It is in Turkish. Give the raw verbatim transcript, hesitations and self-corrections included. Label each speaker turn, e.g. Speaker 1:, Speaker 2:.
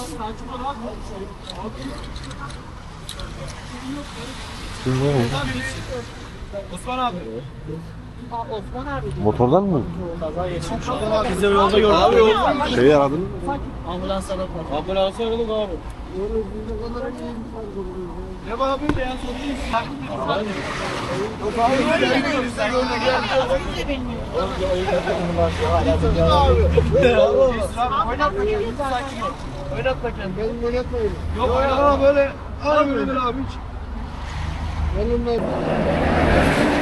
Speaker 1: Osman abi.
Speaker 2: Osman abi.
Speaker 3: Motordan mı?
Speaker 2: Kaza geçmiş.
Speaker 1: Biz de yolda gördük. Abi yolda.
Speaker 3: Şeyi aradın mı?
Speaker 2: Ambulans aradı.
Speaker 1: Ambulansı aradık abi. Ne bana böyle ya sorayım. Yok abi böyle gidiyoruz. Sen yolda gel. Oynatma kendini. Sakin ol. Oynatma kendini.
Speaker 4: Benim oynatmayın.
Speaker 1: Yok oynatma böyle. Abi böyle abi hiç.
Speaker 4: Yanımda.